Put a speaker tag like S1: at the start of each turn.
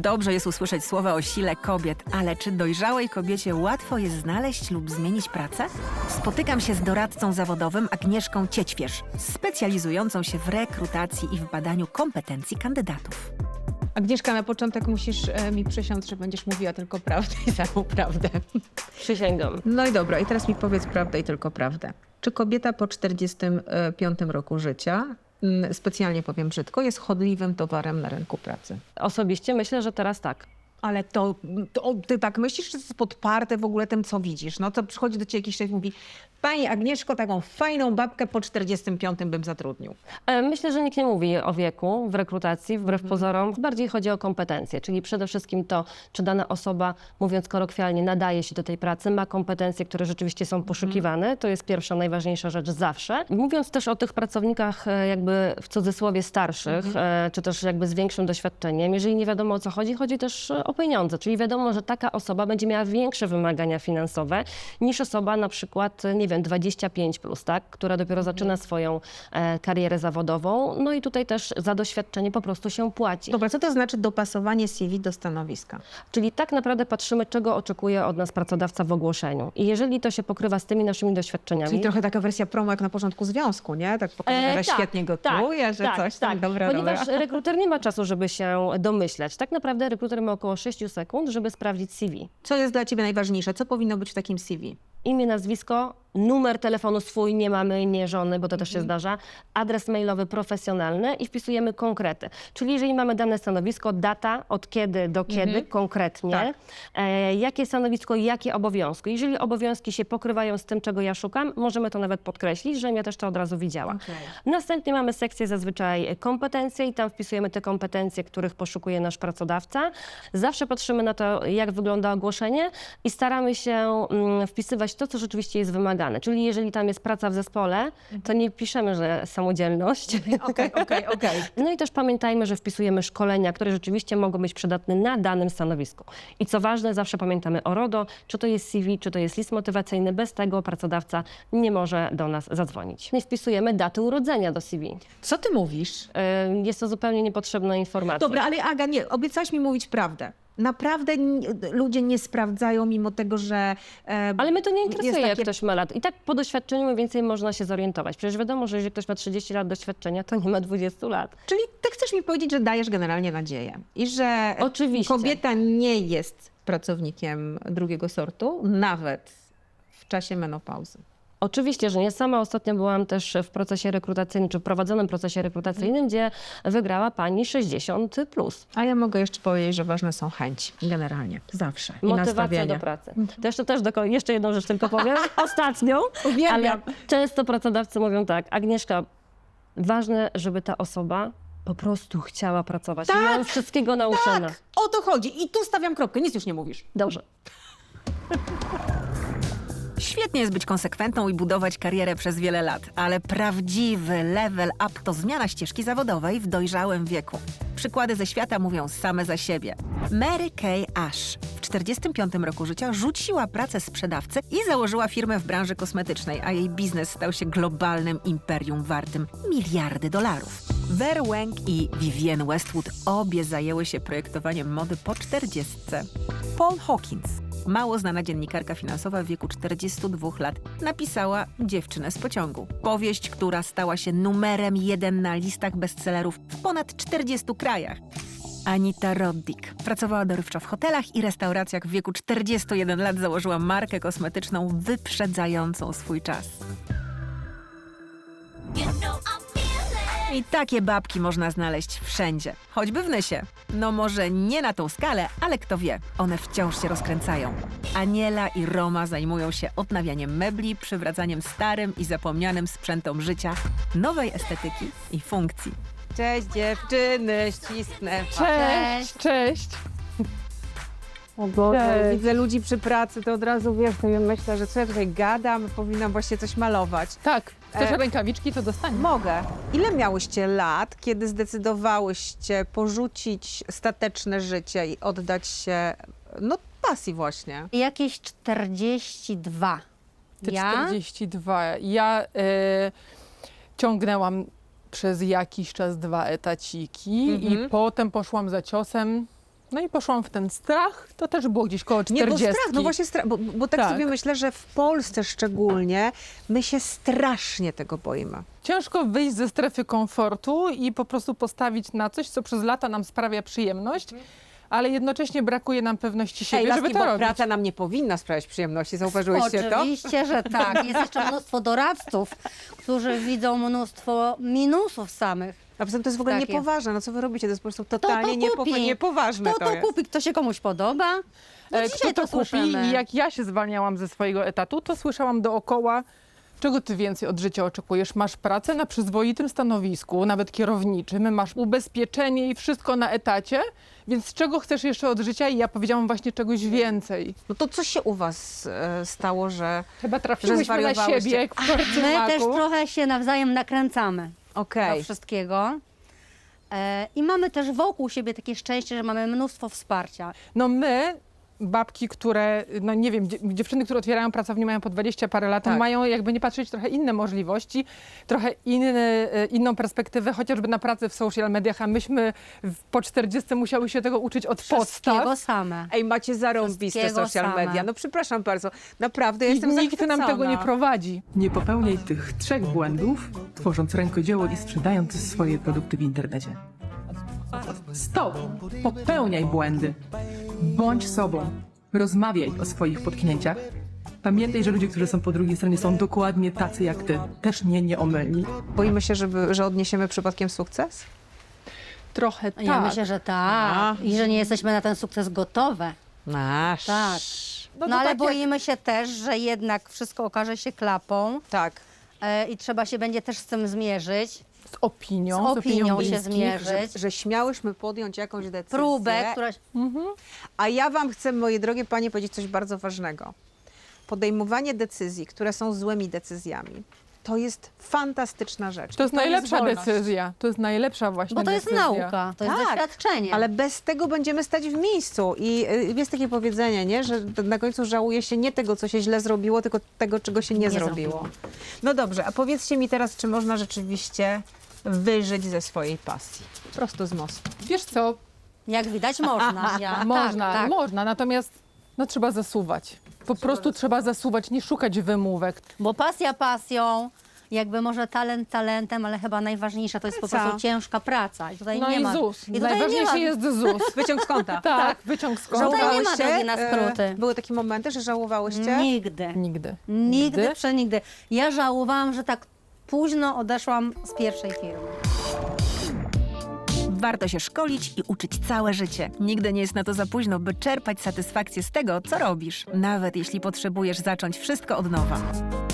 S1: Dobrze jest usłyszeć słowa o sile kobiet, ale czy dojrzałej kobiecie łatwo jest znaleźć lub zmienić pracę? Spotykam się z doradcą zawodowym Agnieszką Ciećwierz, specjalizującą się w rekrutacji i w badaniu kompetencji kandydatów.
S2: Agnieszka, na początek musisz mi przysiąc, że będziesz mówiła tylko prawdę i samą prawdę.
S3: Przysięgam.
S2: No i dobra, i teraz mi powiedz prawdę i tylko prawdę. Czy kobieta po 45 roku życia, specjalnie powiem brzydko, jest chodliwym towarem na rynku pracy?
S3: Osobiście myślę, że teraz tak.
S2: Ale to ty tak myślisz, czy to jest podparte w ogóle tym, co widzisz? No to przychodzi do ciebie jakiś człowiek i mówi: Pani Agnieszko, taką fajną babkę po 45 bym zatrudnił.
S3: Myślę, że nikt nie mówi o wieku w rekrutacji, wbrew pozorom. Bardziej chodzi o kompetencje, czyli przede wszystkim to, czy dana osoba, mówiąc kolokwialnie, nadaje się do tej pracy, ma kompetencje, które rzeczywiście są poszukiwane. To jest pierwsza, najważniejsza rzecz zawsze. Mówiąc też o tych pracownikach jakby w cudzysłowie starszych, czy też jakby z większym doświadczeniem, jeżeli nie wiadomo o co chodzi, chodzi też o pieniądze, czyli wiadomo, że taka osoba będzie miała większe wymagania finansowe niż osoba na przykład, nie wiem, 25 plus, tak, która dopiero zaczyna swoją karierę zawodową. No i tutaj też za doświadczenie po prostu się płaci.
S2: Dobra, co to znaczy dopasowanie CV do stanowiska?
S3: Czyli tak naprawdę patrzymy, czego oczekuje od nas pracodawca w ogłoszeniu. I jeżeli to się pokrywa z tymi naszymi doświadczeniami...
S2: Czyli trochę taka wersja promo jak na początku związku, nie? Tak pokazuje, że świetnie gotuje, że coś tam dobra
S3: Ponieważ rekruter nie ma czasu, żeby się domyślać. Tak naprawdę rekruter ma około 6 sekund, żeby sprawdzić CV.
S2: Co jest dla ciebie najważniejsze? Co powinno być w takim CV?
S3: Imię, nazwisko, numer telefonu swój, nie mamy, nie żony, bo to też się zdarza, adres mailowy profesjonalny i wpisujemy konkrety. Czyli jeżeli mamy dane stanowisko, data, od kiedy do kiedy konkretnie,
S2: Tak.
S3: Jakie stanowisko, jakie obowiązki. Jeżeli obowiązki się pokrywają z tym, czego ja szukam, możemy to nawet podkreślić, żebym ja też to od razu widziała.
S2: Okej.
S3: Następnie mamy sekcję zazwyczaj kompetencje i tam wpisujemy te kompetencje, których poszukuje nasz pracodawca. Zawsze patrzymy na to, jak wygląda ogłoszenie i staramy się wpisywać to, co rzeczywiście jest wymagane. Czyli jeżeli tam jest praca w zespole, to nie piszemy, że samodzielność.
S2: Okej.
S3: No i też pamiętajmy, że wpisujemy szkolenia, które rzeczywiście mogą być przydatne na danym stanowisku. I co ważne, zawsze pamiętamy o RODO, czy to jest CV, czy to jest list motywacyjny. Bez tego pracodawca nie może do nas zadzwonić. No i wpisujemy daty urodzenia do CV.
S2: Co ty mówisz?
S3: Jest to zupełnie niepotrzebna informacja.
S2: Dobra, ale Aga, nie, obiecałaś mi mówić prawdę. Naprawdę ludzie nie sprawdzają, mimo tego, że...
S3: Ale mnie to nie interesuje, jak
S2: takie-
S3: ktoś ma lat. I tak po doświadczeniu mniej więcej można się zorientować. Przecież wiadomo, że jeżeli ktoś ma 30 lat doświadczenia, to nie ma 20 lat.
S2: Czyli ty chcesz mi powiedzieć, że dajesz generalnie nadzieję i że
S3: Oczywiście.
S2: kobieta nie jest pracownikiem drugiego sortu, nawet w czasie menopauzy.
S3: Oczywiście, że nie. Sama ostatnio byłam też w procesie rekrutacyjnym, czy w prowadzonym procesie rekrutacyjnym, gdzie wygrała pani 60+.
S2: A ja mogę jeszcze powiedzieć, że ważne są chęci, generalnie, zawsze. I
S3: Motywacja
S2: nastawienie.
S3: do pracy. To jeszcze jedną rzecz tylko powiem, ostatnią,
S2: Uwielbiam.
S3: ale często pracodawcy mówią tak: Agnieszka, ważne, żeby ta osoba po prostu chciała pracować.
S2: Tak,
S3: I ja już wszystkiego nauczona.
S2: Tak, o to chodzi. I tu stawiam kropkę, nic już nie mówisz.
S3: Dobrze.
S1: Świetnie jest być konsekwentną i budować karierę przez wiele lat, ale prawdziwy level up to zmiana ścieżki zawodowej w dojrzałym wieku. Przykłady ze świata mówią same za siebie. Mary Kay Ash w 45 roku życia rzuciła pracę sprzedawcy i założyła firmę w branży kosmetycznej, a jej biznes stał się globalnym imperium wartym miliardy dolarów. Ver Wang i Vivienne Westwood obie zajęły się projektowaniem mody po 40. Paul Hawkins, mało znana dziennikarka finansowa w wieku 42 lat, napisała Dziewczynę z pociągu. Powieść, która stała się numerem 1 na listach bestsellerów w ponad 40 krajach. Anita Roddick pracowała dorywczo w hotelach i restauracjach. W wieku 41 lat założyła markę kosmetyczną wyprzedzającą swój czas. I takie babki można znaleźć wszędzie, choćby w Nysie. No może nie na tą skalę, ale kto wie, one wciąż się rozkręcają. Aniela i Roma zajmują się odnawianiem mebli, przywracaniem starym i zapomnianym sprzętom życia, nowej estetyki i funkcji.
S2: Cześć dziewczyny, ścisnę.
S4: Cześć.
S2: O Boże, widzę ludzi przy pracy, to od razu wiesz, to ja myślę, że co ja tutaj gadam, powinnam właśnie coś malować.
S4: Tak, chcesz rękawiczki, to dostaniesz.
S2: Mogę. Ile miałyście lat, kiedy zdecydowałyście porzucić stateczne życie i oddać się, no, pasji właśnie?
S5: Jakieś 42.
S4: Ty 42. Ja ciągnęłam przez jakiś czas 2 etaciki i potem poszłam za ciosem No i poszłam w ten strach, to też było gdzieś koło 40.
S2: Nie, bo strach, no właśnie strach, bo tak,
S4: Tak.
S2: sobie myślę, że w Polsce szczególnie my się strasznie tego boimy.
S4: Ciężko wyjść ze strefy komfortu i po prostu postawić na coś, co przez lata nam sprawia przyjemność, ale jednocześnie brakuje nam pewności siebie,
S2: Hej,
S4: żeby
S2: laski,
S4: to
S2: bo
S4: robić.
S2: praca nam nie powinna sprawiać przyjemności, zauważyłyście to?
S5: Oczywiście, że tak. Jest jeszcze mnóstwo doradców, którzy widzą mnóstwo minusów samych.
S2: A poza tym to jest w ogóle
S5: Tak jest.
S2: niepoważne, no co wy robicie, to jest po prostu totalnie
S5: kupi.
S2: niepoważne
S5: Kto to
S2: jest.
S5: kupi, kto się komuś podoba? No
S4: Kto
S5: dzisiaj
S4: to
S5: to
S4: kupi
S5: słyszymy.
S4: i jak ja się zwalniałam ze swojego etatu, to słyszałam dookoła, czego ty więcej od życia oczekujesz. Masz pracę na przyzwoitym stanowisku, nawet kierowniczym, masz ubezpieczenie i wszystko na etacie, więc czego chcesz jeszcze od życia? I ja powiedziałam właśnie czegoś więcej.
S2: No to co się u was stało, że...
S4: Chyba trafiłyśmy na
S2: zwariowałyście.
S4: siebie jak w korcy
S5: My
S4: maku.
S5: też trochę się nawzajem nakręcamy
S2: Okej.
S5: do wszystkiego. I mamy też wokół siebie takie szczęście, że mamy mnóstwo wsparcia.
S4: No my, babki, które, no nie wiem, dziewczyny, które otwierają pracownię, mają po 20 parę lat,
S2: Tak.
S4: mają jakby nie patrzeć trochę inne możliwości, trochę inną perspektywę, chociażby na pracę w social mediach, a myśmy po 40 musiały się tego uczyć od
S5: Wszystkiego
S4: podstaw.
S5: same.
S2: Ej, macie zarąbiste
S5: Wszystkiego
S2: social
S5: same.
S2: media. No przepraszam bardzo, naprawdę, ja
S4: I
S2: jestem
S4: nikt nam
S2: zachwycona.
S4: tego nie prowadzi.
S6: Nie popełniaj tych 3 błędów, tworząc rękodzieło i sprzedając swoje produkty w internecie. Stop! Popełniaj błędy. Bądź sobą. Rozmawiaj o swoich potknięciach. Pamiętaj, że ludzie, którzy są po drugiej stronie, są dokładnie tacy jak ty. Też nie omylni.
S2: Boimy się, że odniesiemy przypadkiem sukces?
S4: Trochę tak.
S5: Ja myślę, że tak. I że nie jesteśmy na ten sukces gotowe.
S2: Nasz.
S5: Tak.
S4: No
S5: No,
S4: to
S5: ale
S4: tak jak-
S5: boimy się też, że jednak wszystko okaże się klapą
S2: Tak.
S5: i trzeba się będzie też z tym zmierzyć,
S4: Z opinią,
S5: z opinią się
S4: bliskich.
S5: zmierzyć.
S2: Że śmiałyśmy podjąć jakąś decyzję.
S5: Próbę, która...
S2: A ja wam chcę, moje drogie panie, powiedzieć coś bardzo ważnego. Podejmowanie decyzji, które są złymi decyzjami, to jest fantastyczna rzecz.
S4: To jest
S2: I
S4: najlepsza
S2: wolność.
S4: decyzja. To jest najlepsza właśnie
S5: Bo to jest
S4: decyzja.
S5: nauka, to jest
S2: Tak,
S5: doświadczenie.
S2: Ale bez tego będziemy stać w miejscu. I jest takie powiedzenie, nie? Że na końcu żałuje się nie tego, co się źle zrobiło, tylko tego, czego się nie zrobiło. No dobrze, a powiedzcie mi teraz, czy można rzeczywiście wyżyć ze swojej pasji? Prosto z mostu.
S4: Wiesz co,
S5: Jak widać można.
S4: można,
S5: tak.
S4: można, natomiast no, trzeba zasuwać. Po prostu trzeba zasuwać, nie szukać wymówek.
S5: Bo pasja pasją, jakby może talent talentem, ale chyba najważniejsza to jest po
S2: Praca.
S5: prostu ciężka praca. I tutaj
S4: No
S5: nie
S4: i
S5: ma.
S4: ZUS.
S5: I tutaj nie
S4: Najważniejszy
S5: ma.
S4: jest ZUS.
S2: Wyciąg z konta.
S4: Tak, wyciąg z konta.
S5: Tutaj nie ma
S2: Żałowałyście?
S5: drogi na skróty.
S2: Były takie momenty, że żałowałyście?
S5: Nigdy.
S4: Nigdy.
S5: Nigdy, przenigdy. Ja żałowałam, że tak późno odeszłam z pierwszej firmy.
S1: Warto się szkolić i uczyć całe życie. Nigdy nie jest na to za późno, by czerpać satysfakcję z tego, co robisz, nawet jeśli potrzebujesz zacząć wszystko od nowa.